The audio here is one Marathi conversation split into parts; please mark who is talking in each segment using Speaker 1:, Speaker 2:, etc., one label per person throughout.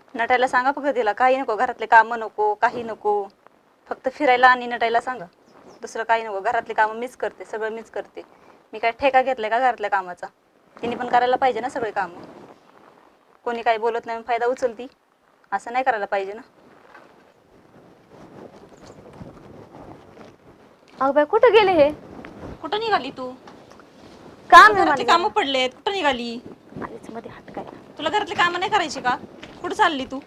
Speaker 1: नटायला सांगा फक्त तिला, काही नको, घरातले काम नको, काही नको, फक्त फिरायला आणि नटायला सांगा, दुसरं काही नको. घरातले कामं मीच करते, सगळं मीच करते. मी काय ठेका घेतलाय का घरातल्या कामाचा? तिने पण करायला पाहिजे ना सगळे कामं. कोणी काही बोलत नाही फायदा उचलती, असं नाही करायला पाहिजे ना.
Speaker 2: अगं बाई कुठे गेले हे?
Speaker 1: कुठं निघाली तू?
Speaker 2: काम
Speaker 1: घरातले कामं पडलेत, कुठं निघाली?
Speaker 2: आलीच मध्ये हात काय.
Speaker 1: तुला घरातले कामं नाही करायची का? कुठं चालली तू?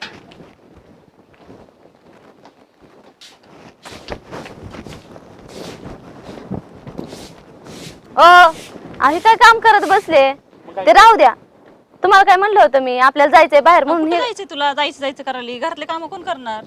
Speaker 2: आहे काय काम करत बसले? ते राहू द्या. तुम्हाला काय म्हणलं होतं मी, आपल्याला जायचंय बाहेर म्हणून.
Speaker 1: कुठं जायचंय तुला? जायचं करायला घरातले कामं कोण करणार?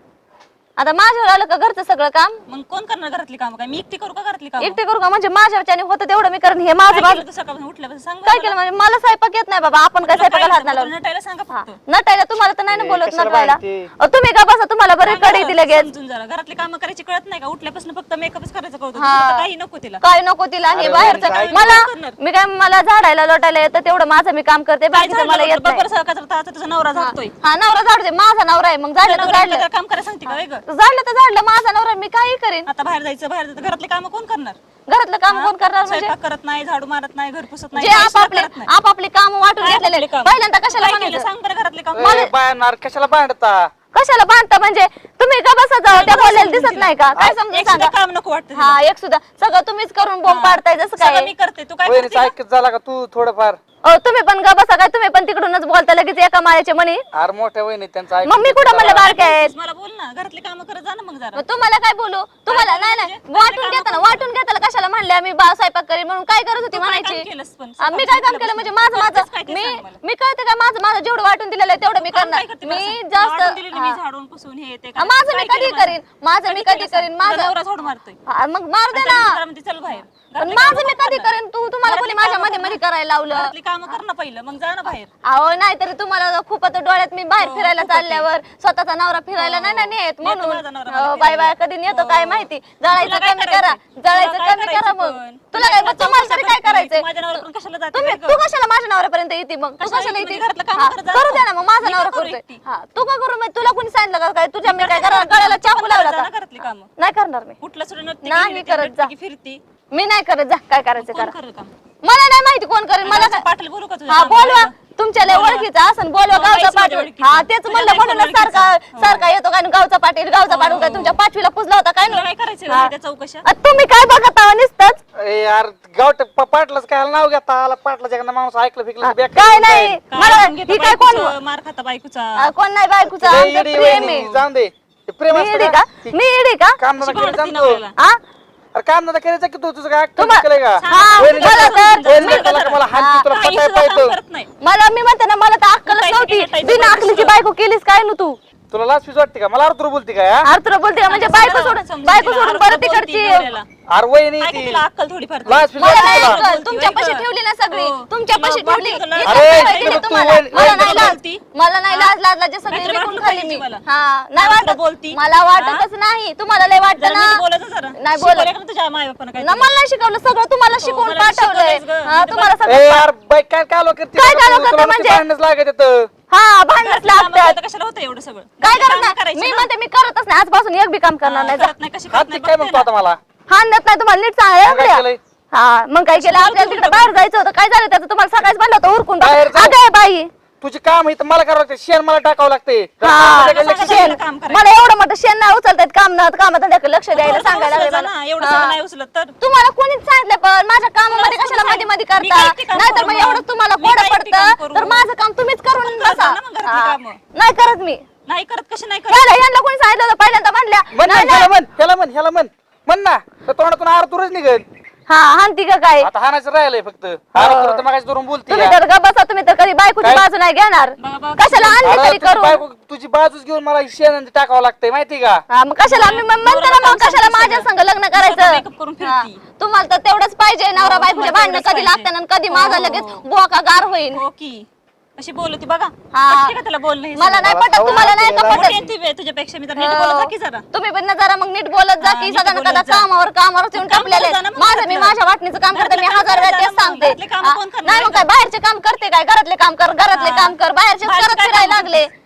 Speaker 2: आता माझ्यावर आलं का घरचं सगळं काम?
Speaker 1: मग कोण करणार घरातली कामं? काय मी एकटी करू का घरातली कामं?
Speaker 2: एकटे करू का? म्हणजे माझ्याच्याने होतं तेवढं मी करेन. हे माझं
Speaker 1: काय केलं तू सकाळपासून उठल्यापासून? सांग
Speaker 2: काय केलं म्हणजे मला स्वयंपाक येत नाही बाबा. आपण काय स्वयंपाकाला हात नाही लावला.
Speaker 1: नटायला सांगा फक्त.
Speaker 2: नटायला तुम्हाला तर नाही ना बोलत
Speaker 3: कशाला
Speaker 2: नटायला.
Speaker 3: बांधते?
Speaker 2: तुम्ही का बसा, तुम्हाला बरं कडे दिले गेस.
Speaker 1: समजून जरा घरातली कामं करायची कळत नाही का? उठल्यापासून फक्त मेकअपच करायचं कळतं. दुसरं काही नको तिला.
Speaker 2: काय नको तिला हे बाहेरचं.
Speaker 3: काय
Speaker 2: मला
Speaker 1: करणार?
Speaker 2: मी काय मला झाडायला लोटायला येतं तेवढं माझं मी काम करते, बाकीचं मला येत नाही.
Speaker 1: बरोबर सकाळचा तुझा नवरा जातोय.
Speaker 2: हा नवरा झाडू दे, माझा नवरा आहे. मग झाडलं तर झाडलं,
Speaker 1: काम करायला सांगते का वेगळं?
Speaker 2: झाडलं तर झाडलं, माझा नवरा आहे, मी काही करेन.
Speaker 1: आता बाहेर जायचं घरातले कामं कोण करणार?
Speaker 2: घरातलं काम कोण करणार म्हणजे?
Speaker 1: स्वयंपाक करत नाही, झाडू मारत नाही, घर पुसत नाही,
Speaker 2: जे
Speaker 1: काही सुद्धा
Speaker 2: आपापले
Speaker 1: करत नाही.
Speaker 2: आपापली काम वाटून
Speaker 1: काय
Speaker 2: घेतलेले
Speaker 1: आपले कामं?
Speaker 2: पहिल्यांदा कशाला
Speaker 1: काय केलं?
Speaker 2: म्हणायचं?
Speaker 1: सांग बरं घरातले काम.
Speaker 3: बायणार कशाला बांधता?
Speaker 2: कशाला बांधता म्हणजे? तुम्ही का बसा जाऊ, त्या बोलायला दिसत नाही का? काय समजून
Speaker 1: एक सुद्धा
Speaker 2: सांगा.
Speaker 1: काम नको वाटतं.
Speaker 2: हा एक सुद्धा सगळं तुम्हीच करून बोंब पाडताय जसं
Speaker 1: सगळं
Speaker 2: काय.
Speaker 1: मी करते, तू काय
Speaker 3: वहिनीचं
Speaker 1: करते?
Speaker 3: ऐकत झाला का तू थोडंफार?
Speaker 2: तुम्ही पण गा बसा काय? तुम्ही पण तिकडूनच बोलता लगेच एका मायाचे म्हणे.
Speaker 3: अरे मोठ्या वहिनी त्यांचं ऐकत
Speaker 2: मग मी कुठं म्हणलं बारक्या आहेत?
Speaker 1: मला बोल ना, घरातले काम करत जा ना मग जरा.
Speaker 2: मग तुम्हाला काय बोलू? तुम्हाला नाही नाही वाटून घेताना कशाला म्हणले आम्ही स्वयंपाक करी म्हणून? काय करत होती
Speaker 1: तू काय
Speaker 2: म्हणायची?
Speaker 1: काम केलंस पण?
Speaker 2: मी काय काम केलं म्हणजे माझं
Speaker 1: करतेस काय
Speaker 2: माझं
Speaker 1: ते
Speaker 2: मी
Speaker 1: सांग मला.
Speaker 2: मी कळते का माझं जेवढं वाटून दिलेलं आहे तेवढं मी
Speaker 1: काम
Speaker 2: करणार.
Speaker 1: काय करते मला
Speaker 2: मी
Speaker 1: सांग?
Speaker 2: जास्त
Speaker 1: वाटून दिलेलं मी
Speaker 2: हा.
Speaker 1: झाडून पुसून हे ते
Speaker 2: हा, माझं मी
Speaker 1: काय
Speaker 2: कधी
Speaker 1: केलं
Speaker 2: करीन, माझं मी कधी करीन,
Speaker 1: तुझा
Speaker 2: माझं
Speaker 1: नवरा झाडू मारतोय.
Speaker 2: मग मारू दे ना.
Speaker 1: जरा म्हणते चल बाहेर.
Speaker 2: पण
Speaker 1: घरातली
Speaker 2: माझं
Speaker 1: कामं
Speaker 2: मी
Speaker 1: कोण
Speaker 2: कधी
Speaker 1: करणार?
Speaker 2: करेन? तुम्हाला कोणी माझ्या मध्ये मध्ये करायला लावलं?
Speaker 1: घरातली कामं कर ना पहिलं, मग जा ना बाहेर.
Speaker 2: अहो नाही तरी तुम्हाला खूप आता डोळ्यात मी बाहेर फिरायला चालल्यावर स्वतःचा नवरा फिरायला नाही ना नेत म्हणून.
Speaker 1: माझा नवरा मला
Speaker 2: हो, बाय बाय कधी नेतो काय माहिती. जळायचं
Speaker 1: तुला काय
Speaker 2: कमी करा,
Speaker 1: करायचं?
Speaker 2: जळायचं
Speaker 1: तुला काय
Speaker 2: कमी करा
Speaker 1: करायचं
Speaker 2: मग.
Speaker 1: पण?
Speaker 2: तुला काय मग तुम्हाला तरी काय करायचंय?
Speaker 1: माझ्या नवऱ्याकडून कशाला जाते
Speaker 2: तुम्ही
Speaker 1: वेगळं?
Speaker 2: तू कशाला माझ्या नवऱ्यापर्यंत येते मग? तू
Speaker 1: कशाला
Speaker 2: कशाला
Speaker 1: येते?
Speaker 2: येते?
Speaker 1: घरातलं काम
Speaker 2: हा,
Speaker 1: करत जा
Speaker 2: करू
Speaker 1: ना.
Speaker 2: द्या ना मग. माझा
Speaker 1: मी का
Speaker 2: नवरा
Speaker 1: करू
Speaker 2: करतोय.
Speaker 1: एकटी?
Speaker 2: हा तू का करू? मग तुला कोणी सांगितलं का काय तुझ्या मी काय
Speaker 1: घरातली कामं
Speaker 2: गळ्याला
Speaker 1: करते,
Speaker 2: चाकू
Speaker 1: पण
Speaker 2: लावला
Speaker 1: जा
Speaker 2: का?
Speaker 1: ना घरातली कामं.
Speaker 2: नाही करणार मी.
Speaker 1: कुठलं सुद्धा नसते
Speaker 2: नाही
Speaker 1: गेली,
Speaker 2: करत जा.
Speaker 1: की फिरती.
Speaker 2: मी नाही करत जा. काय करायचं
Speaker 1: कोण
Speaker 2: करा.
Speaker 1: करेल काम?
Speaker 2: मला नाही माहिती कोण करेल. मला काय
Speaker 1: पाटील बोलू का तुझ्या
Speaker 2: हा
Speaker 1: कामाला?
Speaker 2: बोलवा. तुमच्या लय ओळखीचा असं बोलवा.
Speaker 1: हो,
Speaker 2: गावचा
Speaker 1: बाईच माझ्या
Speaker 2: पाटील.
Speaker 1: ओळखीचा.
Speaker 2: हा तेच
Speaker 1: तुझ्या
Speaker 2: म्हणलं
Speaker 1: बाईच
Speaker 2: म्हणून
Speaker 1: ओळखीचा.
Speaker 2: सारखा येतो काय गावचा पाटील गावचा पाटील काय तुमच्या 5वीला पुजला होता काय
Speaker 1: तुला
Speaker 2: नाही?
Speaker 1: काय करायचं
Speaker 2: हा.
Speaker 1: त्या चौकशा?
Speaker 2: तुम्ही काय बघत आहो नुसतंच?
Speaker 3: ए यार गावट पाटलाच काय नाव घेता आला पाटलाच्या एखादा माणूस ऐकलं फिकलं की बेकार
Speaker 2: काय
Speaker 3: होऊन
Speaker 2: नाही
Speaker 3: जाईल.
Speaker 2: मला
Speaker 1: काय घेतो
Speaker 2: ही काय कोण
Speaker 1: बायकोचं, मार खाता बायकोचा.
Speaker 2: कोण नाही बायकोचा
Speaker 3: लय
Speaker 2: आमचं
Speaker 3: येडी
Speaker 2: प्रेम
Speaker 3: वहिनी,
Speaker 2: आहे.
Speaker 3: जाऊन दे ते प्रेम
Speaker 2: मी
Speaker 3: असतं
Speaker 2: इडी
Speaker 3: का?
Speaker 2: का? मी इडी का?
Speaker 3: काम धंदा
Speaker 1: शिकवणार
Speaker 3: करायचं
Speaker 1: ती
Speaker 3: जाणतो.
Speaker 1: नवऱ्याला.
Speaker 2: हा
Speaker 3: अरे काम धंदा करायचं की तू तुझं काय
Speaker 2: तुम्हा-
Speaker 3: केलंय का?
Speaker 2: हा,
Speaker 3: वहिनीला
Speaker 2: मला
Speaker 3: सांग,
Speaker 2: तर-
Speaker 3: वहिनीला त्याला का मला हात तुला
Speaker 1: काही
Speaker 3: पटाय
Speaker 1: सुद्धा काम
Speaker 3: पाहिजे.
Speaker 1: करत नाही.
Speaker 2: मला मी म्हणते ना मला तर अक्कलच
Speaker 1: उठायचं
Speaker 2: नव्हती.
Speaker 1: की नटायचं
Speaker 2: बिना
Speaker 1: बघ
Speaker 2: अकलीची
Speaker 1: दुसरं.
Speaker 2: बायको केलीस काय ना तू?
Speaker 3: तुला लाच फीस वाटते का? मला अर्थ बोलते का हा?
Speaker 2: अरे तुला बोलते का म्हणजे बायको सोडून
Speaker 1: समजून
Speaker 2: बायको
Speaker 1: तिला,
Speaker 2: सोडून
Speaker 1: अर्थ
Speaker 2: परत
Speaker 1: बोलती
Speaker 2: तिकडची
Speaker 1: नवऱ्याला.
Speaker 3: अरे वहिनी
Speaker 1: काय
Speaker 3: ती
Speaker 1: का तिला अक्कल थोडीफार तरी?
Speaker 3: लाच फीस
Speaker 2: मला
Speaker 3: वाटते
Speaker 2: नाही
Speaker 3: तुला?
Speaker 2: अक्कल. तुमच्या
Speaker 1: होय
Speaker 2: पैसे
Speaker 1: का?
Speaker 2: ठेवली ना सगळी
Speaker 1: हो.
Speaker 2: तुमच्या
Speaker 1: तुला
Speaker 2: पैसे
Speaker 1: वाटलं
Speaker 2: ठेवली
Speaker 1: तुला
Speaker 2: हे
Speaker 1: लाज?
Speaker 2: काय
Speaker 3: अरे,
Speaker 2: करायला दिले
Speaker 3: तू
Speaker 2: तुम्हाला?
Speaker 3: वहिनी-
Speaker 2: मला
Speaker 1: वहिनी
Speaker 2: नाही
Speaker 1: तुला
Speaker 2: लाज
Speaker 1: बोलती?
Speaker 2: मला नाही लाज लाजला सगळे
Speaker 1: नाहीतर
Speaker 2: विकून
Speaker 1: वाटलं
Speaker 2: खाल्ली
Speaker 1: पाहिजे
Speaker 2: मी
Speaker 1: मला.
Speaker 2: हा नाही
Speaker 1: तुला
Speaker 2: वाटत
Speaker 1: बोलती?
Speaker 2: मला वाटतच नाही तुम्हाला लय वाटतं
Speaker 1: जरा
Speaker 2: ना
Speaker 1: नीट बोलायचं जरा.
Speaker 2: नाही बोलत.
Speaker 1: शिकवलं का तुझ्या मायबापानं काय
Speaker 2: ना
Speaker 1: तुला?
Speaker 2: मला नाही शिकवलं सगळं तुम्हाला शिकवून
Speaker 1: मला
Speaker 2: पाठवलंय
Speaker 1: शिकवलंयस गं.
Speaker 2: हा
Speaker 1: म्हणजे
Speaker 2: तुम्हाला
Speaker 3: ए
Speaker 2: सगळं
Speaker 3: यार बाई काय कालो करते?
Speaker 2: काय कालो करते
Speaker 3: तुला
Speaker 2: म्हणजे?
Speaker 3: भांडणच लागत येतं.
Speaker 2: हा भांडणच
Speaker 1: घरातली कामं
Speaker 2: लागतात
Speaker 1: करता कशाला होतं एवढं सगळं?
Speaker 2: काय
Speaker 1: घरातली
Speaker 2: करत
Speaker 1: कामं
Speaker 2: नाही
Speaker 1: करायची
Speaker 2: मी
Speaker 1: ना.
Speaker 2: म्हणते मी करतच नाही आजपासून एक बी काम करणार नाही जा.
Speaker 1: करत नाही, कशी करत
Speaker 3: हात
Speaker 1: नाही
Speaker 3: काय
Speaker 1: बघते
Speaker 3: म्हणतो
Speaker 1: ना.
Speaker 3: आता मला?
Speaker 2: हाणत नाही तुम्हाला नीट
Speaker 3: मग काय
Speaker 2: सांगा
Speaker 3: केलंय?
Speaker 2: हा मग काय केलं आपल्याला तिकडे बाहेर जायचं होतं काय झालं त्याचं तुम्हाला सकाळीच म्हणलं होतं उरकून
Speaker 3: बाहेर जाऊ.
Speaker 2: अगं बाई
Speaker 3: तुझी काम इथं मला करावं लागते शेण मला टाकावं लागते
Speaker 2: हा
Speaker 1: सांगा
Speaker 2: शेण
Speaker 1: त्याला काम करायचं.
Speaker 2: मला एवढं मोठं शेण नाही उचलतात कामात लक्ष द्यायला सांगायला लागले
Speaker 1: उचलत जा
Speaker 2: मला.
Speaker 1: ना, एवढं
Speaker 2: हा.
Speaker 1: सगळं नाही उचलत तर.
Speaker 2: तुम्हाला कोणीच सांगितलं पण माझ्या कामामध्ये
Speaker 1: कोण
Speaker 2: कशाला मध्ये मध्ये
Speaker 1: मी काय एकटी
Speaker 2: करता
Speaker 1: काम
Speaker 2: नाहीतर
Speaker 1: करू
Speaker 2: मग
Speaker 1: मग?
Speaker 2: एवढं तुम्हाला
Speaker 1: मी
Speaker 2: कोड
Speaker 1: काय एकटी काम
Speaker 2: पडतं
Speaker 1: करू?
Speaker 2: तर माझं काम तुम्हीच करून
Speaker 1: करत
Speaker 2: बसा
Speaker 1: जा ना मग घरातली
Speaker 2: हा.
Speaker 1: कामं.
Speaker 2: नाही करत मी
Speaker 1: नाही करत कशी नाही करत?
Speaker 2: यांना कोणी सांगितलं होतं पहिल्यांदा म्हणल्या
Speaker 3: म्हण
Speaker 2: नाही,
Speaker 3: ह्याला
Speaker 2: नाही.
Speaker 3: म्हण ह्याला म्हण ह्याला म्हण म्हण ना तर तोंडातून आरतुरच निघेल.
Speaker 2: हा हानती का काय
Speaker 3: आता हाणायचं राहिलंय फक्त आरतुर तर मागाशी धरून बोलते
Speaker 2: तुम्ही तर ग बसा तुम्ही तर कधी बायकोची
Speaker 3: काय?
Speaker 2: बाजू नाही घेणार
Speaker 1: बाबा,
Speaker 2: कशाला आणली तरी करू
Speaker 3: तुझी बाजूच घेऊन मला शेण टाकावं लागतंय माहिती का?
Speaker 2: हा मग कशाला मी म्हणते ना मग कशाला माझ्या संग लग्न करायचं
Speaker 1: मेकअप करून
Speaker 2: हा.
Speaker 1: फिरती.
Speaker 2: तुम्हाला तर तेवढंच पाहिजे नवरा बायकोच्या
Speaker 1: तुम्हाला
Speaker 2: भांडणं
Speaker 1: तेवढंच
Speaker 2: कधी
Speaker 1: पाहिजे.
Speaker 2: लागतं आणि कधी माझा
Speaker 1: हो,
Speaker 2: लगेच
Speaker 1: हो.
Speaker 2: बोका गार होईल
Speaker 1: हो की अशी बोलती बघा
Speaker 2: हा.
Speaker 1: पटते का त्याला बोलणं हे
Speaker 2: मला
Speaker 1: सगळं?
Speaker 2: नाही पटत
Speaker 3: सवय
Speaker 2: तुम्हाला नाही का
Speaker 3: लागते
Speaker 2: पटत
Speaker 1: मोठी आहे ती तुझ्यापेक्षा मी तर नीट बोलत जा की जरा.
Speaker 2: तुम्ही पण ना जरा मग नीट बोलत जा
Speaker 1: हा,
Speaker 2: की
Speaker 1: नीट
Speaker 2: सदा
Speaker 1: बोलत
Speaker 2: कदा
Speaker 1: जा.
Speaker 2: कामावर येऊन
Speaker 1: काम
Speaker 2: टाकलेले
Speaker 1: करत जा ना मग
Speaker 2: माझं मी
Speaker 1: घरातलं.
Speaker 2: माझ्या वाटणीचं काम करते मी
Speaker 1: घरातलं
Speaker 2: हजार वेळा
Speaker 1: काम
Speaker 2: तेच
Speaker 1: करत जा
Speaker 2: सांगते
Speaker 1: मग. घरातले कामं
Speaker 2: हा.
Speaker 1: कोण करणार
Speaker 2: नाही मग काय बाहेरचे काम करते काय घरातले काम कर
Speaker 1: हा.
Speaker 2: बाहेरचे
Speaker 1: बाहेरचे
Speaker 2: करत
Speaker 1: काय
Speaker 2: फिरायला
Speaker 1: कामं
Speaker 2: लागले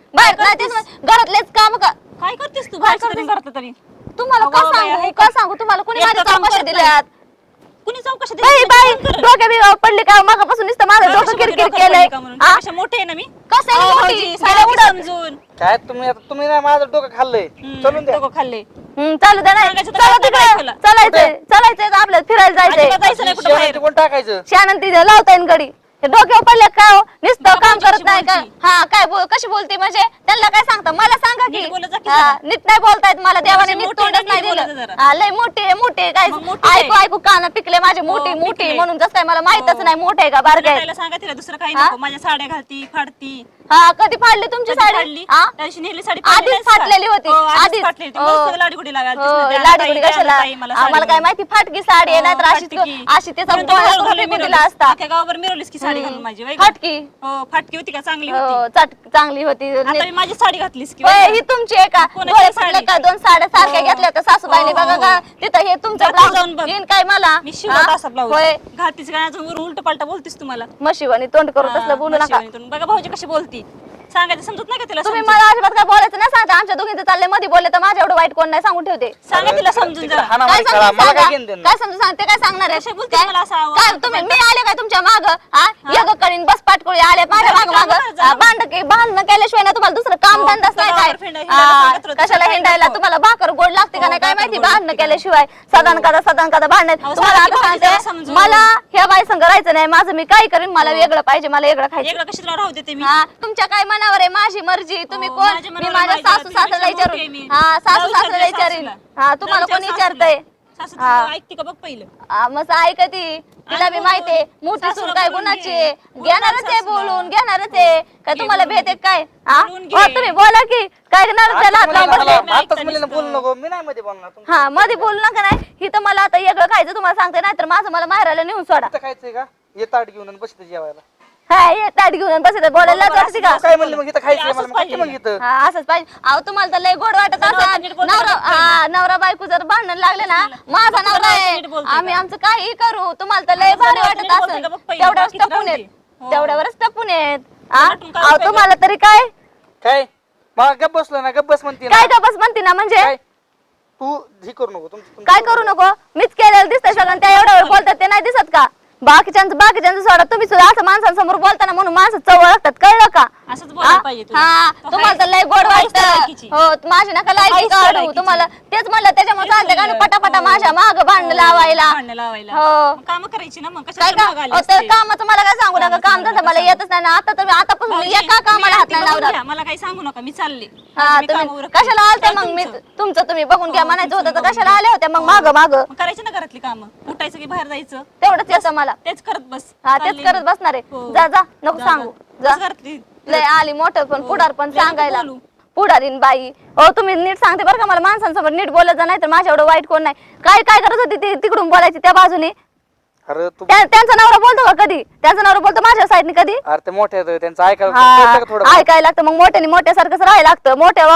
Speaker 2: बाहेर नाही तेच घरातलेच काम का
Speaker 1: काय करतेस तू बाहेर तरी करते तरी
Speaker 2: तुम्हाला
Speaker 1: अगं
Speaker 2: का
Speaker 1: बाई,
Speaker 2: सांगू
Speaker 1: आहे
Speaker 2: का सांगू तुम्हाला कोणी माझ्या
Speaker 1: एकटं काम
Speaker 2: चौकशी
Speaker 1: करत
Speaker 2: दिल्यात
Speaker 1: कुणी चौकशी
Speaker 2: बाई बाई डोक्या बिगावर पडली का मागापासून नुसतं माझं डोकं किरकिर केलंय हा?
Speaker 1: कशा मोठे आहे ना मी
Speaker 2: कसं आहे
Speaker 1: अहो,
Speaker 2: मोठी?
Speaker 1: भाऊजी,
Speaker 2: गेल्या
Speaker 1: सांगा की
Speaker 2: उडत.
Speaker 1: समजून
Speaker 3: काय तुम्ही नाही माझं डोकं खाल्लंय चलून द्या
Speaker 1: डोकं खाल्ले
Speaker 2: चालू द्या नाही
Speaker 1: सांगायचं तर
Speaker 2: चला
Speaker 1: काय
Speaker 2: तिकडे
Speaker 1: बायकोला?
Speaker 2: चालायचंय आपल्याला फिरायला
Speaker 1: अजिबात
Speaker 2: जायचंय
Speaker 1: जायचं नाही कुठं बाहेर
Speaker 3: कोण टाकायचं
Speaker 2: शानन तिथे लावता येईन गडी हे डोक्यावर पडले काय हो नुसतं
Speaker 1: बाबा
Speaker 2: काम करत
Speaker 1: कशी
Speaker 2: नाही का
Speaker 1: बोलती?
Speaker 2: हा काय कशी बोलते म्हणजे त्यांना काय सांगता मला सांगा की
Speaker 1: नीट बोलत जा की
Speaker 2: हा,
Speaker 1: जरा.
Speaker 2: नीट नाही बोलतायत मला देवाने
Speaker 1: मोठी
Speaker 2: नीट
Speaker 1: आहे
Speaker 2: तोंडच
Speaker 1: ना,
Speaker 2: नाही
Speaker 1: नीट बोलत
Speaker 2: दिलं
Speaker 1: जा जरा.
Speaker 2: हा, लय मोठी आहे काय
Speaker 1: मग मोठी आहे.
Speaker 2: ऐकू ऐकू कान पिकले माझे मोठी
Speaker 1: हो,
Speaker 2: मोठी
Speaker 1: पिकले.
Speaker 2: म्हणून जसं काय मला माहितच
Speaker 1: हो.
Speaker 2: नाही मोठे आहे का बारके आहे
Speaker 1: त्याला सांगा तिला दुसरं काही
Speaker 2: हा?
Speaker 1: नको माझ्या साड्या घालती फाडती
Speaker 2: हा कधी फाडली तुमची
Speaker 1: कधी
Speaker 2: साडी
Speaker 1: फाडली
Speaker 2: हा?
Speaker 1: त्या दिवशी नेली साडी
Speaker 2: आधीच
Speaker 1: फाडली नाहीस का?
Speaker 2: फाटलेली होती
Speaker 1: हो, आधीच
Speaker 2: आधीच
Speaker 1: फाटलेली होती.
Speaker 2: हो.
Speaker 1: मग सगळं लाडीगुडी लागायला
Speaker 2: हो,
Speaker 1: लागली.
Speaker 2: लाडीगुडी
Speaker 1: ताई,
Speaker 2: कशाला
Speaker 1: ताई, मला साडी
Speaker 2: आम्हाला काय
Speaker 1: घालून.
Speaker 2: माहिती फाटकी साडी आहे नाहीतर अशी
Speaker 1: फाटकी.
Speaker 2: अशी त्याचा
Speaker 1: म्हणून तर
Speaker 2: गोळा
Speaker 1: घालून
Speaker 2: करून फेकून
Speaker 1: मिरवलीस.
Speaker 2: दिला असता
Speaker 1: अख्ख्या गावावर मिरवलीस की साडी घालून माझी वय गं?
Speaker 2: फाटकी
Speaker 1: हो फाटकी होती का चांगली होती
Speaker 2: हो चांगली होती
Speaker 1: आता मी माझी साडी घातलीस की
Speaker 2: होय,
Speaker 1: वय
Speaker 2: ही
Speaker 1: गं?
Speaker 2: तुमची आहे का
Speaker 1: कोणाची
Speaker 2: डोळे
Speaker 1: साडी?
Speaker 2: फुटले का दोन साड्या सारख्या
Speaker 1: हो.
Speaker 2: घेतल्या तर सासूबाईने
Speaker 1: हो,
Speaker 2: बघा
Speaker 1: हो,
Speaker 2: का
Speaker 1: हो.
Speaker 2: तिथं हे तुमचं
Speaker 1: जा तू
Speaker 2: ब्लाऊज
Speaker 1: जाऊन बघ.
Speaker 2: येईन काय मला
Speaker 1: मी शिवत
Speaker 2: हा?
Speaker 1: असा ब्लाऊज
Speaker 2: होय
Speaker 1: घालतीस काय अजून वरून उलट पालटा बोलतीस तुम्हाला
Speaker 2: मशिवानी तोंड करून तसलं बोलू नका
Speaker 1: म्हशीवानीतून. बघा भाऊजी कशी बोलती सांगायचं समजत नाही का तिला
Speaker 2: तुम्ही
Speaker 1: समजून?
Speaker 2: मला अजिबात काय बोलायचं नाही सांगता आमच्या दोघींचं चाललंय मध्ये बोलले तर माझ्या एवढं वाईट कोण नाही सांगून ठेवते
Speaker 1: सांगा तिला समजून जरा
Speaker 3: हाना
Speaker 2: काय
Speaker 3: माहित करा
Speaker 2: समजून
Speaker 3: मला काय
Speaker 2: सांगा?
Speaker 3: घेणं देणं
Speaker 2: काय समजून सांगते काय सांगणार आहे
Speaker 1: कशा बोलते
Speaker 2: काय?
Speaker 1: मला असं आवाज?
Speaker 2: काय तुम्ही मी आले काय तुमच्या माग एक करीन बस पाटकोळी आले माझ्या माग
Speaker 1: कामं करत जा.
Speaker 2: भांडण केल्याशिवाय ना तुम्हाला दुसरं काम
Speaker 1: हो,
Speaker 2: धंदाच नाही
Speaker 1: गावावर
Speaker 2: काय
Speaker 1: हिंडायला
Speaker 2: हा,
Speaker 1: सांगत होतं,
Speaker 2: कशाला
Speaker 1: काय
Speaker 2: हिंडायला
Speaker 1: नको.
Speaker 2: तुम्हाला भाकर गोड लागते का
Speaker 1: हो,
Speaker 2: नाही काय
Speaker 1: भाकर
Speaker 2: माहिती
Speaker 1: गोड
Speaker 2: भांडण
Speaker 1: लागते का
Speaker 2: केल्याशिवाय सदन कदा भांडण
Speaker 1: अहो,
Speaker 2: तुम्हाला
Speaker 1: सांगा की
Speaker 2: आता
Speaker 1: भाऊजी जरा
Speaker 2: सांगते
Speaker 1: समजून.
Speaker 2: मला ह्या बाई संग राहायचं नाही माझं मी काय करीन मला वेगळं पाहिजे मला वेगळं खायचं
Speaker 1: एकदा कशी तुला राहू देते मी
Speaker 2: हा तुमच्या काय मनावर आहे माझी मर्जी तुम्ही
Speaker 1: हो,
Speaker 2: कोण
Speaker 1: माझ्या
Speaker 2: मी
Speaker 1: मनावर
Speaker 2: माझ्या
Speaker 1: माझ्या
Speaker 2: सासू
Speaker 1: तुझ्यापेक्षा
Speaker 2: सासऱ्याला
Speaker 1: मोठी आहे
Speaker 2: विचारून
Speaker 1: मी.
Speaker 2: हा सासू
Speaker 1: जाऊ
Speaker 2: सासऱ्याला
Speaker 1: विचार
Speaker 2: विचारीन
Speaker 1: सासूला.
Speaker 2: हा तुम्हाला
Speaker 1: जाऊ
Speaker 2: कोण
Speaker 1: विचार
Speaker 2: विचारतंय
Speaker 1: सासू
Speaker 2: हा.
Speaker 1: तुझं ऐकते का बघ पहिलं
Speaker 2: मस्त ऐकती तिला बी
Speaker 1: बोलून.
Speaker 2: माहितीये मोठी सूर
Speaker 1: सासूला
Speaker 2: काय
Speaker 1: बोलून
Speaker 2: गुणाची
Speaker 1: घे.
Speaker 2: आहे.
Speaker 1: बोल
Speaker 2: घेणारच आहे
Speaker 1: सासूला.
Speaker 2: बोलून घेणारच आहे काय
Speaker 1: घे
Speaker 2: तुम्हाला
Speaker 1: बोलून
Speaker 2: भेट आहे
Speaker 1: घे.
Speaker 2: काय हा
Speaker 1: बोलून
Speaker 2: हो,
Speaker 1: घे.
Speaker 2: तुम्ही बोला की काय घेणार त्याला हात लावून बसले
Speaker 3: आताच मुलीला बोलू नको मी नाही मध्ये बोलणार तुमचं
Speaker 2: हा मध्ये बोलू नका नाही ही तर मला आता वेगळं खायचं तुम्हाला सांगते नाही तर माझं मला माहेराला नेऊन सोडा
Speaker 3: इथं खायचंय का ये ताट घेऊन बसते जेवायला
Speaker 2: हा ये ताट घेऊन बसत बोलायला
Speaker 1: बरोबर,
Speaker 2: जाते का
Speaker 1: असं
Speaker 3: काय म्हणलं मग इथं खायचंय
Speaker 1: असंच
Speaker 3: मला मग
Speaker 1: पाहिजे
Speaker 3: काय मग इथं
Speaker 2: हा असंच पाहिजे अहो तुम्हाला तर लय गोड वाटत
Speaker 1: नवरा
Speaker 2: असं
Speaker 1: नीट बोलतो
Speaker 2: नवरा
Speaker 1: का
Speaker 2: हा नवरा बायको जर भांडण लागले ना माझा
Speaker 1: तुला
Speaker 2: नवरा आहे
Speaker 1: नीट बोलतोय
Speaker 2: आम्ही
Speaker 1: का?
Speaker 2: आमचं काही करू तुम्हाला तर लय
Speaker 1: तुझा
Speaker 2: भारी
Speaker 1: नवरा
Speaker 2: वाटत
Speaker 1: नीट बोलतोय
Speaker 2: असं
Speaker 1: का बघ पहिलं,
Speaker 2: तेवढ्यावरच
Speaker 1: बाकीचं
Speaker 2: टपून
Speaker 1: राहू
Speaker 2: येत
Speaker 1: दे. हो.
Speaker 2: तेवढ्यावरच टपून येत हा?
Speaker 1: नटून काय
Speaker 2: अहो
Speaker 1: उपयोग
Speaker 2: तुम्हाला तरी काय
Speaker 3: काय मग गप बसलो ना गप बस म्हणते ना
Speaker 2: काय का बस म्हणते ना म्हणजे
Speaker 3: काय तू ही करू नको तुमचं
Speaker 2: काय करू नको मीच केलेलं दिसतंय सगळं त्या एवढ्यावर बोलतात ते नाही दिसत का बाकीच्यांचं सोडा तुम्ही सुद्धा असं माणसांसमोर बोलताना म्हणून माणसं चव लागतात कळलं का
Speaker 1: असंच बोलायला पाहिजे तुला.
Speaker 2: हा
Speaker 1: तो
Speaker 2: तुम्हाला
Speaker 1: हाय-
Speaker 2: तर लय गोड
Speaker 1: तो हायच त्या
Speaker 2: वाटतं
Speaker 1: लायकीची.
Speaker 2: हो माझी नका लायकी
Speaker 1: हायच त्या
Speaker 2: काढू
Speaker 1: लायकीची.
Speaker 2: तुम्हाला तेच म्हणलं त्याच्यामुळे
Speaker 1: तेच
Speaker 2: चालते का
Speaker 1: म्हणलं.
Speaker 2: पटापटा
Speaker 1: हो.
Speaker 2: माझ्या माग भांडण लावायला
Speaker 1: भांडणं लावायला
Speaker 2: हो.
Speaker 1: मग कामं करायची ना मग
Speaker 2: काय
Speaker 1: कशाला
Speaker 2: का
Speaker 1: मागं आली
Speaker 2: अहो, तर
Speaker 1: असते?
Speaker 2: कामाचं मला काय सांगू नका
Speaker 1: कामाचं
Speaker 2: काम
Speaker 1: मला
Speaker 2: धंदा मला
Speaker 1: कसं
Speaker 2: येतच नाही ना आता तुम्ही आतापासून
Speaker 1: भाऊजी,
Speaker 2: एका कामाला
Speaker 1: तुम्ही
Speaker 2: हात
Speaker 1: आधी
Speaker 2: नाही
Speaker 1: बघून
Speaker 2: लावला
Speaker 1: घ्या, मला काही सांगू नका मी चालले
Speaker 2: हा
Speaker 1: मी कामं
Speaker 2: तुम्ही
Speaker 1: उरकते.
Speaker 2: कशाला आलते
Speaker 1: काय
Speaker 2: मग मी
Speaker 1: तुमचं?
Speaker 2: तुमचं तुम्ही बघून घ्या
Speaker 1: हो,
Speaker 2: म्हणायचं
Speaker 1: तुमचं
Speaker 2: होतं तर
Speaker 1: बघून
Speaker 2: कशाला
Speaker 1: घ्या.
Speaker 2: आले होते मग माग माग
Speaker 1: मग करायची ना घरातली कामं उठायचं की बाहेर जायचं
Speaker 2: तेवढंच येतं मला
Speaker 1: तेच करत बस
Speaker 2: हा तेच
Speaker 1: चालली
Speaker 2: करत
Speaker 1: मी.
Speaker 2: बसणार आहे
Speaker 1: हो.
Speaker 2: जा जा नको
Speaker 1: जा,
Speaker 2: सांगू
Speaker 1: जा.
Speaker 2: जा
Speaker 1: बस घरातली.
Speaker 2: लय आली मोठं पण
Speaker 1: हो.
Speaker 2: पुढार पण
Speaker 1: लय नको
Speaker 2: सांगायला
Speaker 1: बोलू.
Speaker 2: पुढारीन बाई हो तुम्ही नीट सांगते बरं का मला माणसांसमोर नीट बोलत जा नाही तर माझ्या एवढं वाईट कोण नाही काय काय करत होती ती तिकडून बोलायची त्या बाजूने
Speaker 3: अरे तू
Speaker 2: त्यांचा नवरा बोलतो का कधी त्यांचा नवरा बोलतो माझ्या साईडने कधी
Speaker 3: अरे ते मोठे आहेत त्यांचं ऐकायला कळतं का थोडं
Speaker 2: हा ऐकायला लागतं मग मोठ्याने मोठ्यासारखंच राहायला लागतं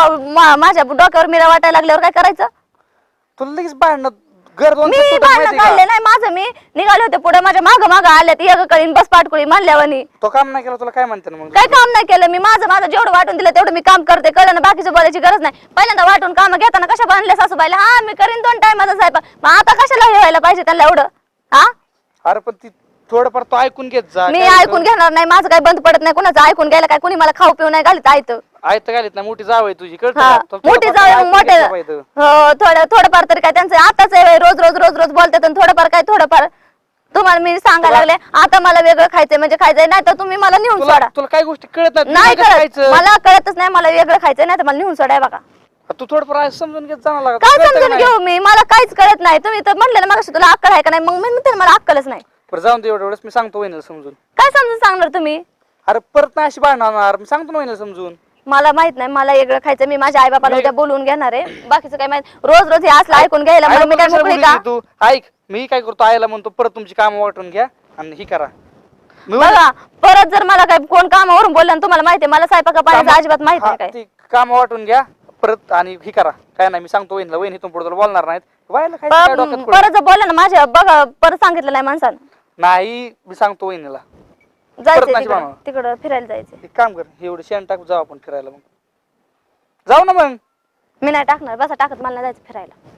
Speaker 2: माझ्या डोक्यावर मिरा वाटायला लागल्यावर काय करायचं
Speaker 3: तुला लगेच भांडणं घर दोन
Speaker 2: मी
Speaker 3: तुटत
Speaker 2: भांडण
Speaker 3: माहिती
Speaker 2: काढले
Speaker 3: का
Speaker 2: नाही माझं मी निघाले होते पुढे माझ्या माग माग आल्यात एक कळीन बस पाटकुळी म्हणल्यावानी
Speaker 3: तो काम नाही केला तुला काय म्हणते ना मग
Speaker 2: काय काम नाही केलं मी माझं जेवढं वाटून दिलं तेवढं मी काम करते कळलं ना बाकीचं बोलायची गरज नाही पहिल्यांदा वाटून काम घेताना कशा बांधल्या सासूबाईला हा मी करीन 2 टायमाचा स्वयंपाक मग आता कशाला हे व्हायला पाहिजे त्यांना एवढं हा
Speaker 3: अरे पण ती थोडंफार तो ऐकून घेत जा
Speaker 2: मी
Speaker 3: काय
Speaker 2: ऐकून घेणार नाही माझं काही बंद पडत नाही कुणाचं ऐकून घ्यायला काय कुणी मला खाऊ पिऊ नाही घालीत आयत
Speaker 3: ऐकत घालीत ना मोठी जाव आहे तुझी कळतं
Speaker 2: हा
Speaker 3: का? तुला
Speaker 2: मोठी
Speaker 3: थोडंफार
Speaker 2: जाऊ
Speaker 3: ऐकून
Speaker 2: मोठे
Speaker 3: घेतलं पाहिजे.
Speaker 2: हो थोडंफार तरी काय त्यांचं आताच आहे रोज रोज रोज रोज बोलतात आणि थोडंफार तुम्हाला मी सांगायला लागले आता मला वेगळं खायचंय म्हणजे खायचंय नाही तर तुम्ही मला नेऊन
Speaker 3: तुला
Speaker 2: सोडा
Speaker 3: तुला काय गोष्टी कळत
Speaker 2: नाही
Speaker 3: कसं
Speaker 2: कळत
Speaker 3: खायचं?
Speaker 2: मला कळतच नाही मला वेगळं खायचंय नाही तर मला नेऊन सोडाय बघा
Speaker 3: तू थोडंफार समजून घेत जाणार लागत
Speaker 2: काय
Speaker 3: कळतं का
Speaker 2: समजून
Speaker 3: नाही?
Speaker 2: घेऊ मी मला काहीच कळत नाही तुम्ही तर म्हटलं ना मग तुला अक्कल आहे का नाही मग मी म्हणते ना, मला अक्कलच नाही
Speaker 3: बरं जाऊन दे एवढं मी सांगतो वहिनीला समजून
Speaker 2: काय समजून सांगणार तुम्ही
Speaker 3: अरे परत नाही अशी भांडणार मी सांगतो ना वहिनीला समजून
Speaker 2: मला माहित नाही मला वेगळं खायचं मी माझ्या आई बापाला उद्या बोलवून घेणार आहे बाकीचं काय माहित रोज रोज हे असलं ऐकून घ्यायला
Speaker 3: आईला
Speaker 2: मग मी
Speaker 3: पण
Speaker 2: काय
Speaker 3: कशाला
Speaker 2: मोकळी
Speaker 3: बोलली
Speaker 2: का
Speaker 3: तू ऐक मी काय करतो आईला म्हणतो परत तुमची कामं वाटून घ्या आणि ही करा मी
Speaker 2: बघा परत जर मला काय कोण कामावरून बोललं तुम्हाला माहिती मला स्वयंपाका पाण्याचं अजिबात माहित नाही काय
Speaker 3: ती काम वाटून घ्या परत आणि ही करा काय नाही मी सांगतो वहिनीला वहिनी इथून पुढे तुला बोलणार नाहीत व्हायला काय डोक्यात पडलं?
Speaker 2: परत जर बोललं ना माझ्या बघा परत सांगितलं नाही माणसानं
Speaker 3: नाही मी सांगतो वहिनीला
Speaker 2: जायचंय
Speaker 3: नाही
Speaker 2: तिकडं
Speaker 3: बनवणार.
Speaker 2: तिकडं फिरायला जायचंय
Speaker 3: एक काम कर एवढं शेण टाकू जाऊ आपण फिरायला मग जाऊ ना मग.
Speaker 2: मी नाही टाकणार, बसा टाकत, मला नाही जायचं फिरायला.